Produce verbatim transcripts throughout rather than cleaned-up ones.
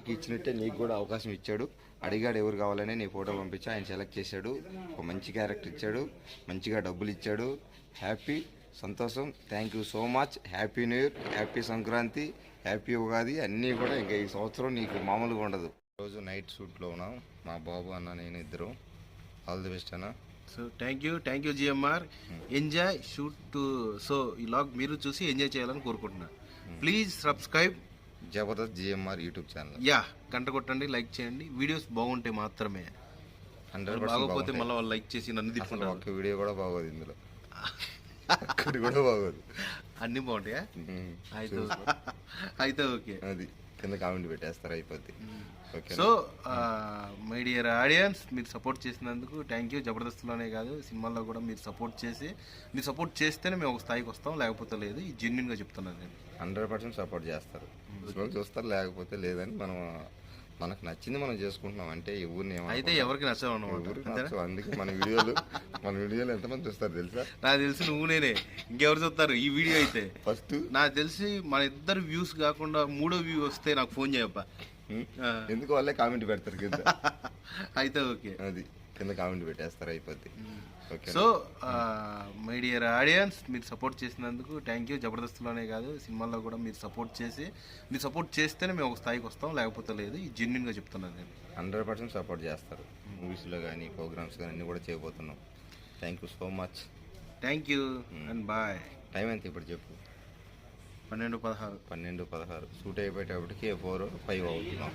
అందరికీ ఇచ్చినట్టే నీకు కూడా అవకాశం ఇచ్చాడు. అడిగాడు ఎవరు కావాలని, నీ ఫోటో పంపించి ఆయన సెలెక్ట్ చేశాడు. ఒక మంచి క్యారెక్టర్ ఇచ్చాడు, మంచిగా డబ్బులు ఇచ్చాడు. హ్యాపీ, సంతోషం. Thank you so much. Happy new year, happy Sankranti, happy Ugadi అన్నీ కూడా ఇంకా ఈ సంవత్సరం నీకు మామూలుగా ఉండదు. రోజు నైట్ షూట్లో ఉన్నాం మా బాబు అన్న నేను ఇద్దరు. ఆల్ ది బెస్ట్ అన్న. So thank you thank you GMR. Enjoy shoot two. So ఈ లాగ్ మీరు చూసి ఎంజాయ్ చేయాలని కోరుకుంటున్నాను. Please subscribe Jabardasth GMR YouTube channel. Yeah, గంట కొట్టండి, లైక్ చేయండి. వీడియోస్ బాగుంటే మాత్రమే. హండ్రెడ్ బాగోపోతే మళ్ళీ వాళ్ళు లైక్ చేసి నన్ను తిప్పుకుంటారు. ఒక్క వీడియో కూడా బాగోదు ఇందులో, ఒక్కటి కూడా బాగోదు. అన్నీ బాగుంటాయా? అయితే అయితే ఓకే, అది కింద కామెంట్ పెట్టేస్తారు, అయిపోద్ది. సో మై డియర్ ఆడియన్స్, మీరు సపోర్ట్ చేసినందుకు థ్యాంక్ యూ. జబర్దస్త్లోనే కాదు సినిమాల్లో కూడా మీరు సపోర్ట్ చేసి, మీరు సపోర్ట్ చేస్తేనే మేము ఒక స్థాయికి వస్తాం, లేకపోతే లేదు. ఈ జెన్యున్గా చెప్తున్నాను నేను. హండ్రెడ్ పర్సెంట్ సపోర్ట్ చేస్తారు, చూస్తారు, లేకపోతే లేదని. మనం మనకు నచ్చింది మనం చేసుకుంటున్నాం అంటే ఎవరిని అయితే ఎవరికి నచ్చవు. అందుకే మన వీడియోలు మన వీడియోలు ఎంతమంది చూస్తారు తెలుసా? నాకు తెలిసి నువ్వు నేనే, ఇంకెవరు చూస్తారు ఈ వీడియో అయితే? ఫస్ట్ నాకు తెలిసి మన ఇద్దరు వ్యూస్ కాకుండా మూడో వ్యూ వస్తే నాకు ఫోన్ చేయప్ప. ఎందుకు వాళ్ళే కామెంట్ పెడతారు కింద. అయితే ఓకే, అది కింద కామెంట్ పెట్టేస్తారు, అయిపోద్ది. సో మై డియర్ ఆడియన్స్, మీరు సపోర్ట్ చేసినందుకు థ్యాంక్ యూ. జబర్దస్త్లోనే కాదు సినిమాల్లో కూడా మీరు సపోర్ట్ చేసి, మీరు సపోర్ట్ చేస్తేనే మేము ఒక స్థాయికి వస్తాం, లేకపోతే లేదు. ఈ జెన్యున్గా చెప్తున్నాను నేను. హండ్రెడ్ పర్సెంట్ సపోర్ట్ చేస్తారు. మూవీస్లో కానీ ప్రోగ్రామ్స్ కానీ అన్నీ కూడా చేయబోతున్నాం. Thank you so much. Thank you and bye. Time ఎంత ఇప్పుడు చెప్పు? పన్నెండు పదహారు పన్నెండు పదహారు షూట్ అయిపోయేటప్పటికి ఫోర్ ఫైవ్ అవుతున్నాం.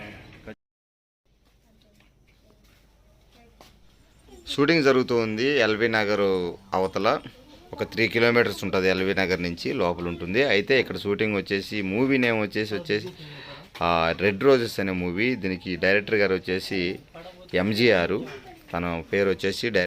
షూటింగ్ జరుగుతుంది ఎల్బీ నగర్ అవతల, ఒక త్రీ కిలోమీటర్స్ ఉంటుంది ఎల్బీ నగర్ నుంచి లోపల ఉంటుంది. అయితే ఇక్కడ షూటింగ్ వచ్చేసి మూవీ నేమ్ వచ్చేసి వచ్చేసి రెడ్ రోజెస్ అనే మూవీ. దీనికి డైరెక్టర్ గారు వచ్చేసి ఎంజీఆర్, తన పేరు వచ్చేసి